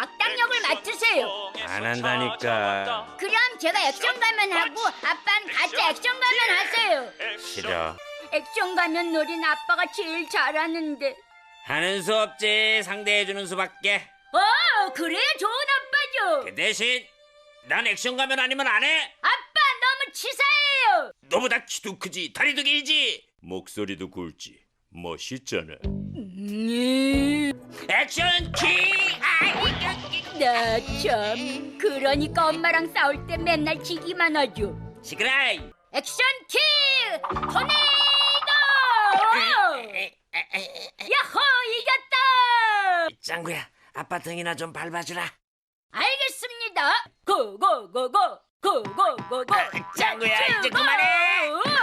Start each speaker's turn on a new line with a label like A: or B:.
A: 악당 역을 맡으세요.
B: 안 한다니까.
A: 그럼 제가 액션 가면 하고 아빠는 가짜 액션 가면 하세요.
B: 싫어.
A: 액션 가면 놀이는 아빠가 제일 잘하는데.
B: 하는 수 없지. 상대해주는 수밖에.
A: 그래야 좋은 아빠죠.
B: 그 대신 난 액션 가면 아니면 안 해.
A: 아빠 너무 치사해요.
B: 너보다 키도 크지, 다리도 길지, 목소리도 굵지. 멋있잖아. 액션 킹!
A: 나 참. 그러니까 엄마랑 싸울 때 맨날 지기만 하죠.
B: 시끄라이.
A: 액션 킹! 토네이도! 야호 이겼다!
B: 짱구야, 아빠 등이나 좀 밟아주라.
A: 알겠습니다. 고고고고 고고고고.
B: 짱구야, 이제 그만해.